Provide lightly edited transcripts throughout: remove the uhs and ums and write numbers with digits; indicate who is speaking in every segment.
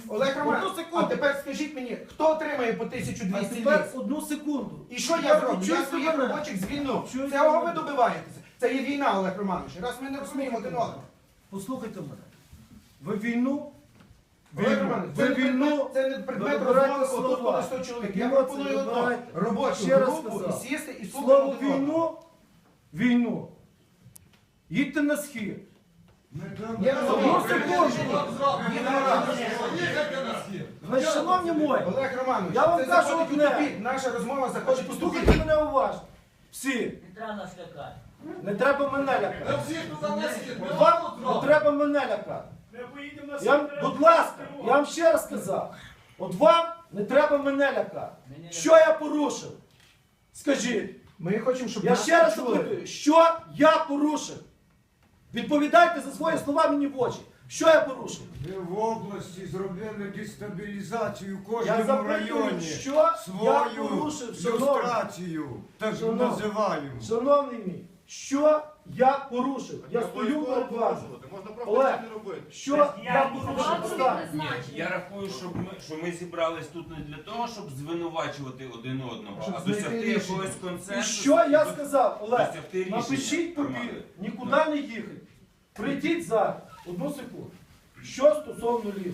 Speaker 1: Олег
Speaker 2: Одну
Speaker 1: Романович, а
Speaker 2: секунду.
Speaker 1: тепер скажіть мені, хто отримає по
Speaker 2: А
Speaker 1: 1200
Speaker 2: тепер
Speaker 1: ліс?
Speaker 2: одну секунду.
Speaker 1: І що я зроблю? Я
Speaker 2: чуєте
Speaker 1: своїх
Speaker 2: мене?
Speaker 1: робочих звільну.
Speaker 2: Чуєте
Speaker 1: Цього ви
Speaker 2: мене?
Speaker 1: добиваєтеся. Це є війна, Олег Романович. Раз ми не розуміємо один одного.
Speaker 2: Послухайте мене. Ви війну,
Speaker 1: Олег Романович,
Speaker 2: ви війну,
Speaker 1: це не предмет
Speaker 2: ви вибираєте
Speaker 1: розмови, отут
Speaker 2: слова.
Speaker 1: буде 100 чоловік. Я
Speaker 2: Емоції
Speaker 1: пропоную одно.
Speaker 2: вибирайте.
Speaker 1: Робочу
Speaker 2: Ще раз
Speaker 1: групу
Speaker 2: сказав.
Speaker 1: і сісти і слухати
Speaker 2: Слово
Speaker 1: один одного.
Speaker 2: війну, їдьте на схід.
Speaker 1: Я розумію.
Speaker 2: Одну секунду. Значить, шановні мої,
Speaker 1: Олег Романович,
Speaker 2: Я вам
Speaker 1: це
Speaker 2: кажу
Speaker 1: заходить у
Speaker 2: одне.
Speaker 1: тупік. Наша розмова заходить у
Speaker 2: послухайте
Speaker 1: тупік.
Speaker 2: мене уважно. Всі.
Speaker 3: Не треба нас лякати.
Speaker 2: Не треба мене лякати. Вам не треба мене лякати. Будь ласка, я вам ще раз сказав. От вам не треба мене лякати. Що я порушив? Скажіть.
Speaker 1: Ми хочемо, щоб
Speaker 2: Я
Speaker 1: нас
Speaker 2: ще раз
Speaker 1: почули.
Speaker 2: запитую, що я порушив? Відповідайте за свої слова мені в очі. Що я порушив?
Speaker 4: Ви в області зробили дестабілізацію в
Speaker 2: Я
Speaker 4: кожному
Speaker 2: запитую,
Speaker 4: районі.
Speaker 2: що я
Speaker 4: Свою
Speaker 2: порушив, шановний?
Speaker 4: люстрацію, так
Speaker 2: Шановний.
Speaker 4: називаю.
Speaker 2: Шановний мій, що я порушив? Я стою перед вами. Олег, що я порушив? Останнє.
Speaker 5: Я рахую, що ми зібрались тут не для того, щоб звинувачувати один одного,
Speaker 1: Щоб
Speaker 5: а
Speaker 1: знайти
Speaker 5: досягти
Speaker 1: рішення.
Speaker 5: якогось
Speaker 2: І
Speaker 5: консенсусу.
Speaker 2: що я сказав, Олег?
Speaker 5: Досягти рішення.
Speaker 2: Напишіть папір,
Speaker 5: Романе.
Speaker 2: нікуди не їхати. Прийдіть зараз. Одну секунду. Що стосовно лісу?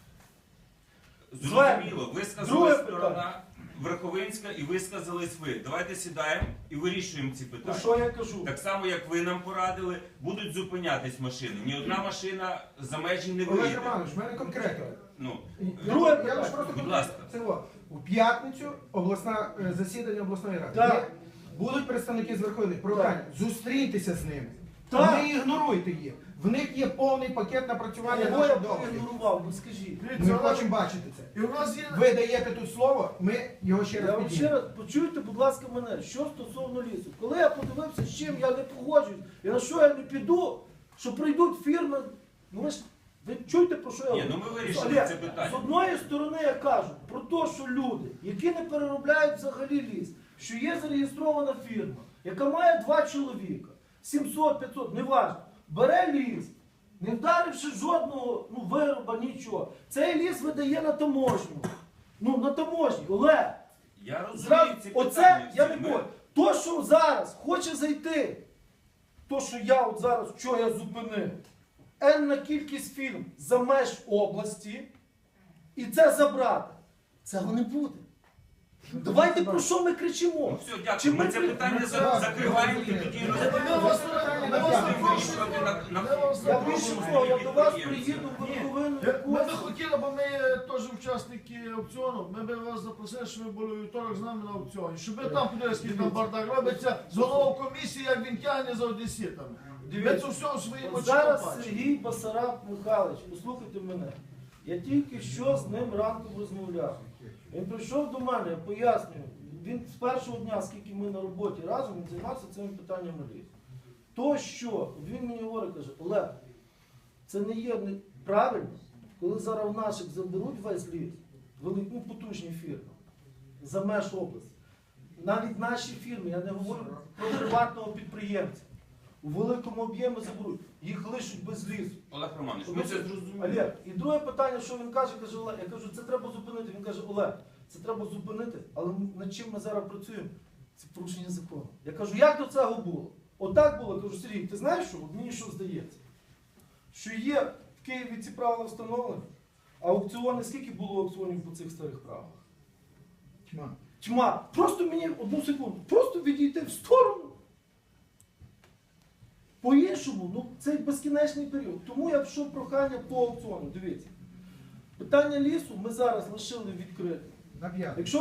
Speaker 5: Зрозуміло,
Speaker 2: Друге
Speaker 5: висказалась
Speaker 2: питання.
Speaker 5: сторона Верховинська і висказались ви. Давайте сідаємо і вирішуємо ці
Speaker 2: То
Speaker 5: питання.
Speaker 2: що я кажу?
Speaker 5: Так само, як ви нам порадили, будуть зупинятись машини. Ні одна машина за межі не
Speaker 1: Олег
Speaker 5: виїде.
Speaker 1: Романович, в мене конкретно.
Speaker 5: Ну,
Speaker 2: Друге
Speaker 1: Я
Speaker 2: питання.
Speaker 1: лише просто
Speaker 5: Будь ласка.
Speaker 1: це во. У п'ятницю засідання обласної ради.
Speaker 2: Так.
Speaker 1: Є- Будуть представники з Верховної Прохання. Зустріньтеся з ними.
Speaker 2: Так.
Speaker 1: Не ігноруйте їх. В них є повний пакет напрацювання
Speaker 2: Кого я
Speaker 1: наших договорів.
Speaker 2: проігнорував? Ну скажіть.
Speaker 1: Ми хочемо бачити це.
Speaker 2: І у нас є...
Speaker 1: Ви даєте тут слово, ми його ще
Speaker 2: Я
Speaker 1: раз
Speaker 2: вам ще
Speaker 1: підіймемо.
Speaker 2: раз, почуйте, будь ласка, мене, що стосовно лісу. Коли я подивився, з чим я не погоджуюсь, і на що я не піду, що прийдуть фірми, ну ви чуєте, про що я
Speaker 5: ні,
Speaker 2: говорю?
Speaker 5: ну ми вирішили
Speaker 2: Олег,
Speaker 5: це
Speaker 2: з
Speaker 5: питання.
Speaker 2: одної сторони я кажу про те, що люди, які не переробляють взагалі ліс, що є зареєстрована фірма, яка має 2 чоловіка, 700-500, неважно, бере ліс, не вдаривши жодного вироба, нічого. Цей ліс видає на таможню. Ну, на таможні, Олег.
Speaker 5: Я розумію
Speaker 2: Зразу,
Speaker 5: ці
Speaker 2: оце
Speaker 5: питання.
Speaker 2: я
Speaker 5: всі.
Speaker 2: не
Speaker 5: Ми-
Speaker 2: можу. То, що зараз хоче зайти, то, що я от зараз, що я зупинив, енна кількість фірм за меж області, і це забрати. Цього не буде. Давайте про що ми кричимо?
Speaker 5: Ну все,
Speaker 2: Чи
Speaker 5: дякую. Ми
Speaker 2: ми
Speaker 5: це
Speaker 2: при-
Speaker 5: питання закриваємо і тоді
Speaker 2: Я більше того, я до вас приїду в Верховину.
Speaker 6: Ми би хотіли, бо ми теж учасники аукціону, ми би вас запросили, щоб ви були у вівторок з нами на аукціоні. Щоб ви там подивилися, скільки там бардак робиться, з головою комісії, як він тягне за одеситами. Ми це все своїм
Speaker 2: От
Speaker 6: очима
Speaker 2: зараз
Speaker 6: бачимо.
Speaker 2: Сергій Басараб Михайлович, послухайте мене. Я тільки що з ним ранком розмовляв. Він прийшов до мене, я пояснюю. Він з першого дня, скільки ми на роботі разом, він займався цими питаннями лісу. То, що він мені говорить, каже, Олег, це не є правильно, коли зараз в наших заберуть весь ліс, велику потужні фірми, за меж області. Навіть наші фірми, я не говорю про приватного підприємця, у великому об'ємі заберуть, їх лишуть без лісу.
Speaker 5: Олег Романович, ми це зрозуміли.
Speaker 2: Олег, і друге питання, що він каже, Олег, я кажу, це треба зупинити. Він каже, Олег, це треба зупинити, але над чим ми зараз працюємо? Це порушення закону. Я кажу, як до цього було? Отак було, кажу, Сергій, ти знаєш що? От мені що здається? Що є в Києві ці правила встановлені, а аукціони, скільки було аукціонів по цих старих правилах?
Speaker 1: Тьма.
Speaker 2: Тьма. Просто мені, одну секунду, просто відійти в сторону. По-іншому, ну це безкінечний період. Тому я пішов прохання по аукціону. Дивіться. Питання лісу ми зараз лишили відкритим.
Speaker 1: На п'ятницю.
Speaker 2: Якщо